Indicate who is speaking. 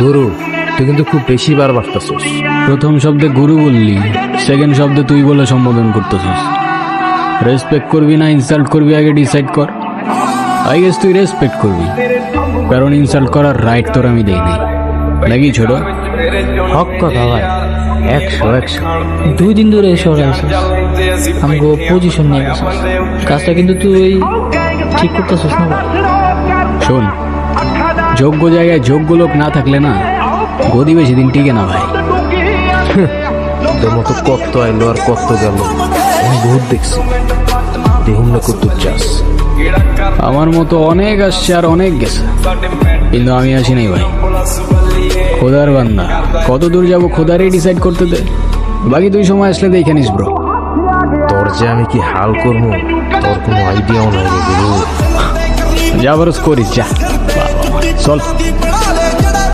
Speaker 1: গুরু, তুই কিন্তু খুব বেশি বার বাড়তেছিস।
Speaker 2: প্রথম শব্দে গুরু বললি, সেকেন্ড শব্দে তুই বলে সম্বোধন করতেছিস। রেসপেক্ট করবি না ইনসাল্ট করবি আগে ডিসাইড কর। আই গেস তুই রেসপেক্ট করবি, কারণ ইনসাল্ট করার রাইট তোর আমি দেই নাই, নাকি ছোট?
Speaker 1: হক কথা ভাই, 100
Speaker 3: 2 দিন ধরে শহরে আসিস, আমাকে পজিশন নিয়ে গেছিস, কাজটা কিন্তু তুই ঠিক করতেছিস না ভাই।
Speaker 2: শোন, যোগ্য জায়গায় যোগ্য লোক না থাকলে না গদি বেশি দিন টিকে না ভাই।
Speaker 1: তোর মতো কত আইলো আর কত গেল, আমি বহুত দেখছি। দেখুন না কত চাস।
Speaker 2: আমার মতো অনেক আসছে আর অনেক গেছে, কিন্তু আমি আসি নাই ভাই। খোদার বান্দা, কত দূর যাবো খোদারই ডিসাইড করতে দে, বাকি তুই সময় আসলে দেখে নিস ব্রো।
Speaker 1: তোর যে আমি কি হাল করবো তোর কোনো আইডিয়াও নাই রে গুরু।
Speaker 2: যা বরস করিস যা, চল।